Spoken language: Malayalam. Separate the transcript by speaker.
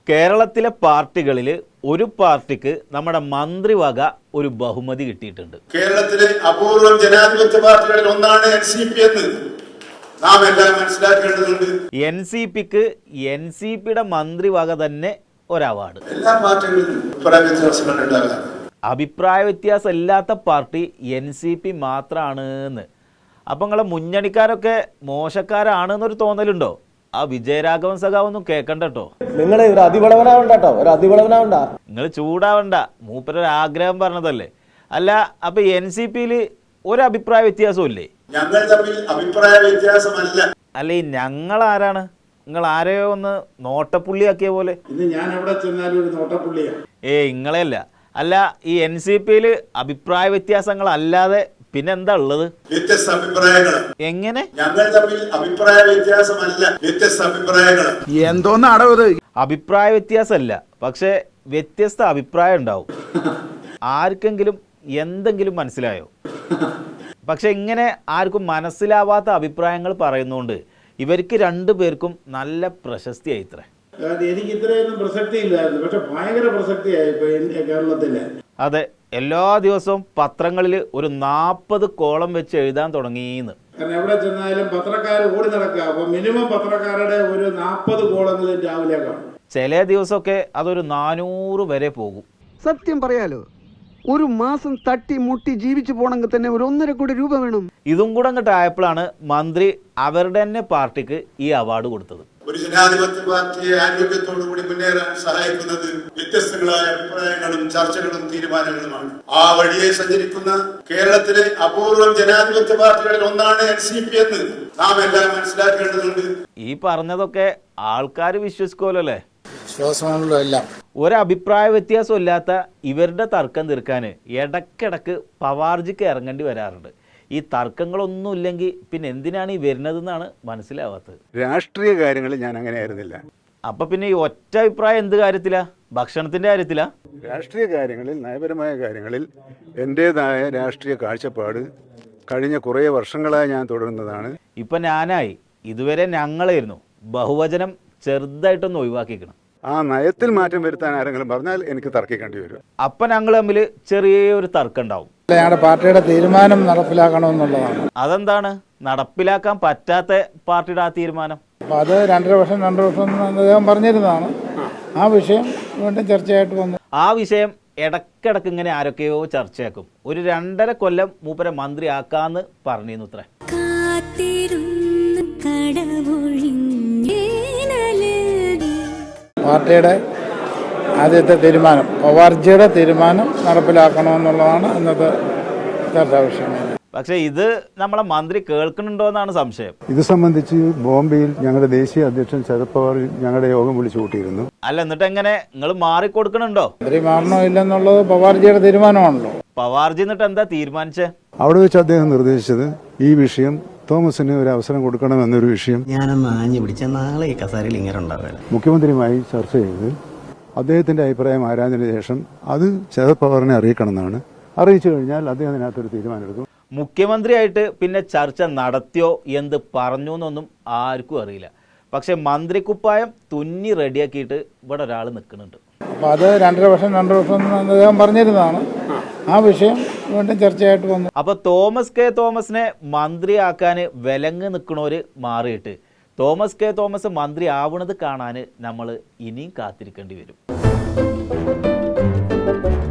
Speaker 1: കേരളത്തിലെ പാർട്ടികളിൽ ഒരു പാർട്ടിക്ക് നമ്മുടെ മന്ത്രിവക ഒരു ബഹുമതി കിട്ടിയിട്ടുണ്ട്.
Speaker 2: കേരളത്തിലെ അപൂർവം ജനാധിപത്യ പാർട്ടികളിൽ ഒന്നാണ് NCP എന്ന് നാം എല്ലാം മനസ്സിലാക്കേണ്ടതുണ്ട്.
Speaker 1: NCPക്ക് NCPയുടെ മന്ത്രിവക തന്നെ ഒരു അവാർഡ്.
Speaker 2: എല്ലാ പാർട്ടികളിലും
Speaker 1: അഭിപ്രായ വ്യത്യാസം ഇല്ലാത്ത പാർട്ടി NCP മാത്രമാണ്. അപ്പം നിങ്ങളെ മുന്നണിക്കാരൊക്കെ മോശക്കാരാണെന്നൊരു തോന്നലുണ്ടോ? ആ വിജയരാഘവൻ സഖാവൊന്നും കേൾക്കണ്ട കേട്ടോ.
Speaker 3: നിങ്ങൾ ഒരു അതിവളവനാവണ്ട.
Speaker 1: നിങ്ങൾ ചൂടാവണ്ട, മൂപ്പരൊരു ആഗ്രഹം പറഞ്ഞതല്ലേ. അല്ല, അപ്പൊ NCPയിൽ ഒരു അഭിപ്രായ വ്യത്യാസവും ഇല്ലേ?
Speaker 2: ഞങ്ങൾ തമ്മിൽ അഭിപ്രായ വ്യത്യാസമല്ല.
Speaker 1: അല്ല, ഈ ഞങ്ങൾ ആരാണ്? നിങ്ങൾ ആരെയോ ഒന്ന് നോട്ടപ്പുള്ളിയാക്കിയ പോലെ.
Speaker 2: ഞാൻ എവിടെ ചെന്നാലും ഒരു നോട്ടപ്പുള്ളിയാണ്.
Speaker 1: ഇങ്ങളെയല്ല. അല്ല, ഈ NCPയിൽ അഭിപ്രായ വ്യത്യാസങ്ങൾ അല്ലാതെ പിന്നെന്താ ഉള്ളത്?
Speaker 2: വ്യത്യസ്ത അഭിപ്രായങ്ങൾ.
Speaker 1: എങ്ങനെ?
Speaker 2: ഞങ്ങൾ തമ്മിൽ അഭിപ്രായ വ്യത്യാസമല്ല, വ്യത്യസ്ത അഭിപ്രായങ്ങൾ.
Speaker 3: എന്തോന്നാടത്?
Speaker 1: അഭിപ്രായ വ്യത്യാസമല്ല, പക്ഷെ വ്യത്യസ്ത അഭിപ്രായം ഉണ്ടാവും. ആർക്കെങ്കിലും എന്തെങ്കിലും മനസ്സിലായോ? പക്ഷെ ഇങ്ങനെ ആർക്കും മനസ്സിലാവാത്ത അഭിപ്രായങ്ങൾ പറയുന്നതുകൊണ്ട് ഇവർക്ക് രണ്ടുപേർക്കും നല്ല പ്രശസ്തിയായി. ഇത്ര
Speaker 2: എനിക്ക് ഇത്രയൊന്നും പ്രസക്തി ഇല്ലായിരുന്നു, പക്ഷെ ഭയങ്കര പ്രസക്തിയായി കേരളത്തില്.
Speaker 1: അതെ, എല്ലാ ദിവസവും പത്രങ്ങളിൽ ഒരു 40 കോളം വെച്ച് എഴുതാൻ തുടങ്ങിയെന്ന്.
Speaker 2: കാരണം എവിടെ ചെന്നാലും പത്രക്കാർ ഓടി നടക്കുക. അപ്പൊ മിനിമം പത്രക്കാരുടെ ഒരു 40 കോളങ്ങളിൽ രാവിലെ കാണും.
Speaker 1: ചില ദിവസമൊക്കെ അതൊരു 400 വരെ പോകും.
Speaker 4: സത്യം പറയാലോ, ഒരു മാസം തട്ടി മുട്ടി ജീവിച്ചു പോണെങ്കിൽ തന്നെ ഒരു 1.5 കോടി രൂപ വേണം.
Speaker 1: ഇതും കൂടെ അങ്ങോട്ട് ആയപ്പോഴാണ് മന്ത്രി അവരുടെ തന്നെ പാർട്ടിക്ക് ഈ അവാർഡ് കൊടുത്തത്.
Speaker 2: ഒരു ജനാധിപത്യ പാർട്ടിയെ ആരോഗ്യത്തോടു കൂടി മുന്നേറാൻ സഹായിക്കുന്നത് വ്യത്യസ്തങ്ങളായ അഭിപ്രായങ്ങളും ചർച്ചകളും തീരുമാനങ്ങളുമാണ്. ആ വഴിയെ സഞ്ചരിക്കുന്ന കേരളത്തിലെ അപൂർവം ജനാധിപത്യ പാർട്ടികളിൽ ഒന്നാണ് NCP എന്ന് നാം എല്ലാം മനസ്സിലാക്കേണ്ടതുണ്ട്.
Speaker 1: ഈ പറഞ്ഞതൊക്കെ ആൾക്കാർ വിശ്വസിക്കുമല്ലോ അല്ലേ?
Speaker 2: വിശ്വാസമാണല്ലോ എല്ലാം.
Speaker 1: ഒരഭിപ്രായ വ്യത്യാസം ഇല്ലാത്ത ഇവരുടെ തർക്കം തീർക്കാൻ ഇടയ്ക്കിടക്ക് പവാർജിക്ക് ഇറങ്ങേണ്ടി വരാറുണ്ട്. ഈ തർക്കങ്ങളൊന്നും ഇല്ലെങ്കിൽ പിന്നെ എന്തിനാണ് ഈ വരുന്നതെന്നാണ് മനസ്സിലാവാത്തത്.
Speaker 5: രാഷ്ട്രീയ കാര്യങ്ങളിൽ ഞാൻ അങ്ങനെ ആയിരുന്നില്ല.
Speaker 1: അപ്പം പിന്നെ ഈ ഒറ്റ അഭിപ്രായം എന്ത് കാര്യത്തിലാ? ഭക്ഷണത്തിൻ്റെ കാര്യത്തിലാ?
Speaker 5: രാഷ്ട്രീയ കാര്യങ്ങളിൽ, നയപരമായ കാര്യങ്ങളിൽ എൻ്റേതായ രാഷ്ട്രീയ കാഴ്ചപ്പാട് കഴിഞ്ഞ കുറേ വർഷങ്ങളായി ഞാൻ തുടരുന്നതാണ്.
Speaker 1: ഇപ്പം ഞാനായി, ഇതുവരെ ഞങ്ങളായിരുന്നു. ബഹുവചനം ചെറുതായിട്ടൊന്ന് ഒഴിവാക്കിക്കണം.
Speaker 5: ആ നയത്തിൽ മാറ്റം വരുത്താൻ ആരെങ്കിലും പറഞ്ഞാൽ എനിക്ക് തർക്കിക്കേണ്ടി വരും.
Speaker 1: അപ്പം ഞങ്ങൾ തമ്മിൽ ചെറിയൊരു തർക്കം ഉണ്ടാവും.
Speaker 6: ഞങ്ങളുടെ പാർട്ടിയുടെ തീരുമാനം നടപ്പിലാക്കണമെന്നുള്ളതാണ്.
Speaker 1: അതെന്താണ് നടപ്പിലാക്കാൻ പറ്റാത്ത പാർട്ടിയുടെ ആ തീരുമാനം?
Speaker 6: അപ്പോൾ അത് 2.5 വർഷം അദ്ദേഹം പറഞ്ഞിരുന്നതാണ്. ആ വിഷയം വീണ്ടും ചർച്ചയായിട്ട് വന്നു.
Speaker 1: ആ വിഷയം ഇടക്കിടക്ക് ഇങ്ങനെ ആരൊക്കെയോ ചർച്ചയാക്കും. ഒരു 2.5 കൊല്ലം മൂപ്പരെ മന്ത്രി ആക്കാന്ന് പറഞ്ഞിരുന്നു. ഇത്ര
Speaker 6: പാർട്ടിയുടെ ആദ്യത്തെ തീരുമാനം, പവാർജിയുടെ തീരുമാനം നടപ്പിലാക്കണമെന്നുള്ളതാണ് ഇന്നത്തെ ചർച്ചാ വിഷയം.
Speaker 1: പക്ഷേ ഇത് നമ്മളെ മന്ത്രി കേൾക്കുന്നുണ്ടോ എന്നാണ് സംശയം.
Speaker 5: ഇത് സംബന്ധിച്ച് ബോംബെയിൽ ഞങ്ങളുടെ ദേശീയ അധ്യക്ഷൻ ശരത് പവാർ ഞങ്ങളുടെ യോഗം വിളിച്ചു കൂട്ടിയിരുന്നു.
Speaker 1: അല്ല, എന്നിട്ട് എങ്ങനെ നിങ്ങൾ മാറിക്കൊടുക്കണുണ്ടോ?
Speaker 6: മന്ത്രി മാറണോ ഇല്ലെന്നുള്ളത് പവാർജിയുടെ തീരുമാനമാണല്ലോ.
Speaker 1: പവാർജി എന്നിട്ട് എന്താ തീരുമാനിച്ചേ?
Speaker 5: അവിടെ വെച്ച് അദ്ദേഹം നിർദ്ദേശിച്ചത് ഈ വിഷയം തോമസിന് ഒരു അവസരം കൊടുക്കണമെന്നൊരു വിഷയം
Speaker 3: ഞാനൊന്ന് ആഞ്ഞു പിടിച്ച നാളെ ഈ കസാരയിൽ ഇങ്ങനെ ഉണ്ടാവില്ല.
Speaker 5: മുഖ്യമന്ത്രിയുമായി ചർച്ച ചെയ്ത് അദ്ദേഹത്തിന്റെ അഭിപ്രായം ആരാഞ്ഞതിന് ശേഷം അത് ശരത് പവാറിനെ അറിയിക്കണമെന്നാണ്. അറിയിച്ചു കഴിഞ്ഞാൽ അദ്ദേഹം അതിനകത്തൊരു തീരുമാനമെടുക്കും.
Speaker 1: മുഖ്യമന്ത്രിയായിട്ട് പിന്നെ ചർച്ച നടത്തിയോ എന്ത് പറഞ്ഞു എന്നൊന്നും ആർക്കും അറിയില്ല. പക്ഷെ മന്ത്രിക്കുപ്പായം തുന്നി റെഡിയാക്കിയിട്ട് ഇവിടെ ഒരാൾ നിൽക്കുന്നുണ്ട്.
Speaker 6: അപ്പോൾ അത് 2.5 വർഷം അദ്ദേഹം പറഞ്ഞിരുന്നതാണ്. ആ വിഷയം വീണ്ടും ചർച്ചയായിട്ട് വന്നു.
Speaker 1: അപ്പോൾ തോമസിനെ മന്ത്രിയാക്കാൻ വിലങ്ങ് നിൽക്കണവർ മാറിയിട്ട് തോമസ് മന്ത്രി ആവണത് കാണാൻ നമ്മൾ ഇനിയും കാത്തിരിക്കേണ്ടി വരും.